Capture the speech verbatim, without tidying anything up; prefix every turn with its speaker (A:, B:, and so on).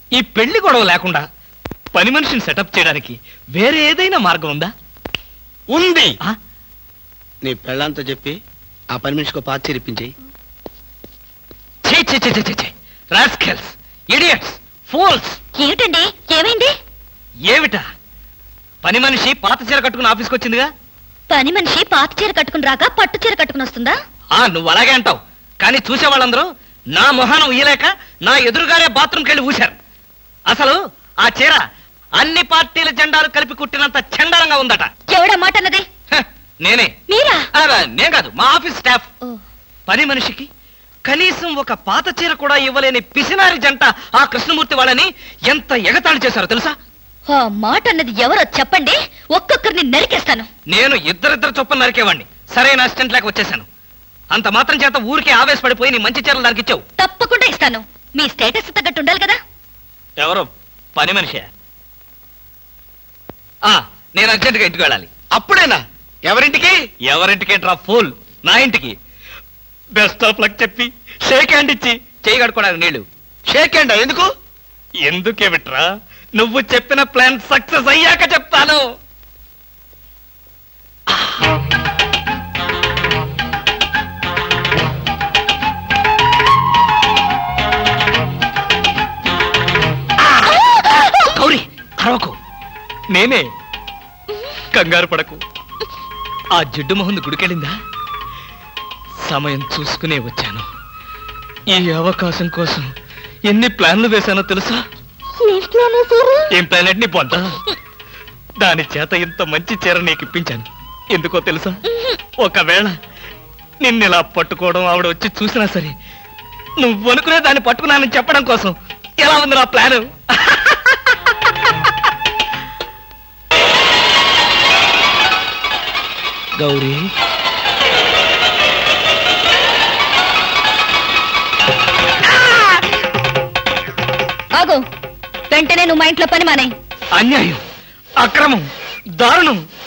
A: ఈ పెళ్లి గొడవ లేకుండా పని మనిషిని సెటప్ చేయడానికి వేరే ఏదైనా మార్గం ఉందా?
B: ఉంది.
A: ఆ?
B: నీ పెళ్ళంతో చెప్పి ఆ పని మనిషికి పాత చేరిపించేయి.
A: ఛీ, ఛీ, ఛీ, ఛీ, ఛీ, ఛీ. Rascals, idiots, fools.
C: ఏమిటండి, ఏమైంది?
A: ఏమిటా? పని మనిషి పాత చీర కట్టుకుని ఆఫీస్కి వచ్చిందిగా.
C: పని మనిషి పాత చీర కట్టుకుని రాక పట్టు చీర కట్టుకుని వస్తుందా?
A: ఆ నువ్వు అలాగే అంటావు, కానీ చూసే వాళ్ళందరూ నా మొహానం ఉయ్యలేక నా ఎదురుగారే బాత్రూమ్కి వెళ్ళి ఊశారు. అసలు ఆ చీర అన్ని పార్టీల జెండాలు కలిపి కుట్టినంత చండాలంగా ఉందట.
C: ఎవడా మాట అన్నది?
A: హ, నేనే.
C: మీరా?
A: ఆ, నేను కాదు, మా ఆఫీస్ స్టాఫ్.
C: ఓ,
A: పని మనిషికి కనీసం ఒక పాత చీర కూడా ఇవ్వలేని పిసినారి జంట ఆ కృష్ణమూర్తి వాళ్ళని ఎంత ఎగతాళి చేశారో తెలుసా?
C: ఆ మాట అన్నది ఎవరో చెప్పండి, ఒక్కొక్కరిని నరికేస్తాను.
A: నేను ఇద్దరిద్దరు చొప్పున నరికేవాడిని. సరైన అసిస్టెంట్ లేక వచ్చేసాను. అంత మాత్రం చేత ఊరికే ఆవేశపడిపోయి నీ మంచి చీరలు దానికి ఇచ్చావు.
C: తప్పకుండా ఇస్తాను. మీ స్టేటస్ తగ్గట్టు ఉండాలి కదా.
A: ఎవరు? పని మనిషి. ఆ నేను అర్జెంటుగా ఇంటికి వెళ్ళాలి.
B: అప్పుడేనా? ఎవరింటికి?
A: ఎవరింటికి డ్రా ఫూల్, నా ఇంటికి. బెస్ట్ ఆఫ్ లక్ చెప్పి షేక్ హ్యాండ్ ఇచ్చి చేయి కడుకోవడానికి నీళ్లు.
B: షేక్ హ్యాండ్ ఎందుకు?
A: ఎందుకే విట్రా, నువ్వు చెప్పిన ప్లాన్ సక్సెస్ అయ్యాక చెప్తాను. గౌరీ అరవకు, నేనే. కంగారు పడకు. ఆ జిడ్డు మొహంది గుడికెళ్ళిందా? సమయం చూసుకునే వచ్చాను. ఈ అవకాశం కోసం ఎన్ని ప్లాన్లు వేశానో తెలుసా? ఏం ప్లాన్ అంటే నీ పొంద? దాని చేత ఇంత మంచి చీర నీకు ఇప్పించాను. ఎందుకో తెలుసా? ఒకవేళ నిన్నిలా పట్టుకోవడం ఆవిడ వచ్చి చూసినా సరే నువ్వు అనుకునే దాన్ని పట్టుకున్నానని చెప్పడం కోసం. ఎలా ఉంది నా ప్లాను? గౌరీ,
C: ఆగు, వెంటనే నువ్వు మా ఇంట్లో పని మానే.
A: అన్యాయం, అక్రమం, దారుణం.